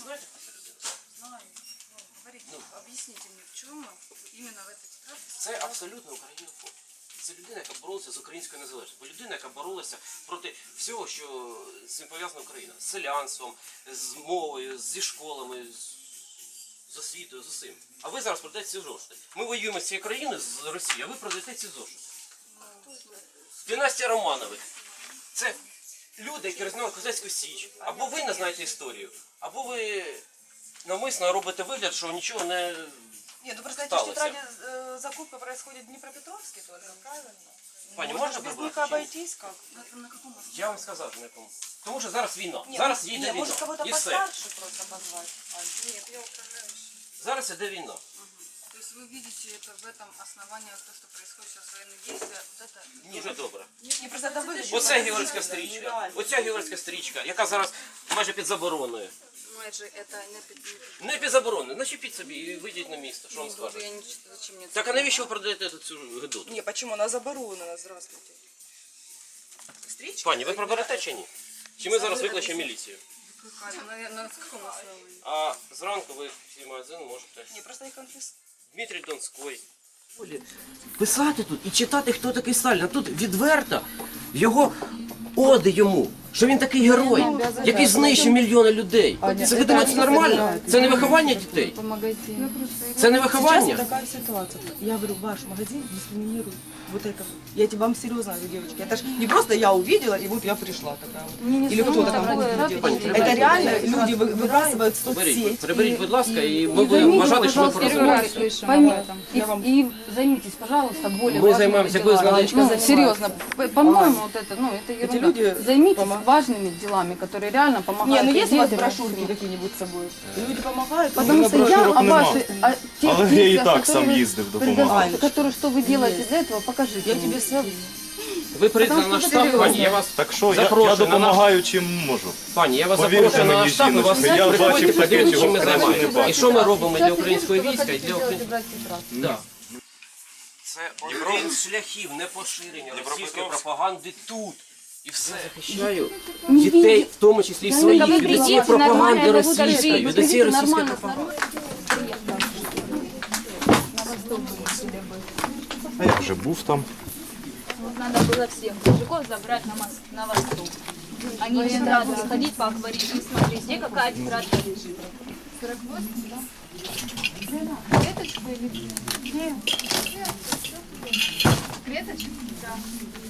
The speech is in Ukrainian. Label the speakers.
Speaker 1: знаєте, хто ця людина?
Speaker 2: Знаю. Говорите, объясните мне, в чем именно в этой ситуации?
Speaker 1: Це абсолютно українофоб. Це людина, яка боролася з українською незалежністю. Людина, яка боролася проти всього, що з цим пов'язана Україна. З селянством, з мовою, зі школами, з освітою, з усім. А ви зараз продаєте ці зошити. Ми воюємо з цією країною, з Росією, а ви продаєте ці зошити. Династія Романових. Це люди, які рознімали Козацьку Січ. Або ви не знаєте історію, або ви навмисно робите вигляд, що нічого не...
Speaker 3: Нет, ну просто эти тетради закупка происходит в Днепропетровске только, правильно?
Speaker 1: Пані,
Speaker 3: Можно
Speaker 1: можна
Speaker 3: без них
Speaker 1: прибрати?
Speaker 3: обойтись как?
Speaker 2: На каком основании?
Speaker 1: Я вам сказав, на якому. Тому що зараз війна.
Speaker 3: Нет,
Speaker 1: Зараз
Speaker 3: ну,
Speaker 1: їде
Speaker 3: нет,
Speaker 1: війна.
Speaker 3: может кого-то
Speaker 1: І все.
Speaker 3: постарше просто позвать. Ань.
Speaker 2: Нет, я управляющий.
Speaker 1: Зараз іде війна.
Speaker 2: То есть вы видите это в этом основании, то, что происходит сейчас военные действия, вот это...
Speaker 1: Дуже добре.
Speaker 3: Не, просто это выглядит.
Speaker 1: Оце георгійська стрічка. Оця георгійська стрічка, яка зараз майже під забороною.
Speaker 2: Майже это не
Speaker 1: Не під забороною. Начепіть собі і вийдіть на місто. Що вам скажуть?
Speaker 2: я не читаю, зачем мне это.
Speaker 1: Так а навіщо ви продаєте цю гидоту?
Speaker 3: Не, почему? Она заборонена, здравствуйте. Стричка?
Speaker 1: Пані, ви проберете чи ні? Чи ми зараз викличемо міліцію?
Speaker 2: На каком основании?
Speaker 1: А зранку ви всі магазини можете.
Speaker 3: Не, просто их конфис...
Speaker 1: Дмитрій Донський. Писати тут і читати, хто такий Сталін. А тут відверто його оди йому, що він такий герой, який знищив мільйони людей. Це ви думаєте, це нормально? Це не виховання дітей? Це не
Speaker 3: Сейчас
Speaker 1: виховання?
Speaker 3: такая ситуация. Я говорю, ваш магазин дискриминирует вот это. Я тебе вам серьезно говорю, девочки. Это ж не просто я увидела, и вот я пришла такая вот. Или кто-то там будет. Это реально люди выбрасывают в соцсеть.
Speaker 1: Приберіть, будь ласка, і ми будемо вважати, що ми порозуміємося.
Speaker 4: Поймите, и займитесь, пожалуйста, более
Speaker 1: Мы
Speaker 4: важными
Speaker 1: займаемся,
Speaker 4: делами.
Speaker 1: вы знаете,
Speaker 4: Ну, серьезно, по-моему, вот это, ну, это ерунда.
Speaker 3: люди
Speaker 4: Займитесь важными делами, которые реально
Speaker 3: Не,
Speaker 4: помогают.
Speaker 3: ну есть у вас
Speaker 4: детям.
Speaker 3: брошюрки какие-нибудь с собой? Люди помогают?
Speaker 4: Потому что я о вашей, о тех
Speaker 5: Але я і
Speaker 4: действиях,
Speaker 5: так сам
Speaker 4: которые
Speaker 5: їздив,
Speaker 4: вы
Speaker 5: допомагав.
Speaker 4: предо- которые, что вы делаете для этого, покажите.
Speaker 3: Я
Speaker 4: мне.
Speaker 3: тебе все...
Speaker 1: Ви прийдете на наш штаб, пані, я вас
Speaker 5: Так що я
Speaker 1: запрошую на наш...
Speaker 5: допомагаю чим можу.
Speaker 1: Пані, я вас
Speaker 5: Повірте
Speaker 1: запрошую на
Speaker 5: мені,
Speaker 1: наш штаб, ми вас
Speaker 5: жіночко, я
Speaker 1: приходьте,
Speaker 5: бачив таке,
Speaker 1: подивіться, чим
Speaker 5: чого
Speaker 1: ми
Speaker 5: краще не
Speaker 1: займаємося. І
Speaker 5: бачив.
Speaker 1: що ми робимо для
Speaker 4: Сейчас
Speaker 1: української
Speaker 4: видите,
Speaker 1: війська, і
Speaker 4: что
Speaker 1: для
Speaker 4: вы хотите
Speaker 1: української...
Speaker 4: делать и брать тетрадь.
Speaker 1: Да. Це один з шляхів непоширення російської пропаганди тут. І все. Захищаю дітей, в тому числі і своїх, від цієї пропаганди російської, від цієї російської пропаганди.
Speaker 5: А я вже був там.
Speaker 6: Надо было всех мужиков забрать на восток. Они не сразу ходить по акварелю и смотреть, где какая тетрадка лежит. 48, да? Клеточка или где? Клеточка? Да.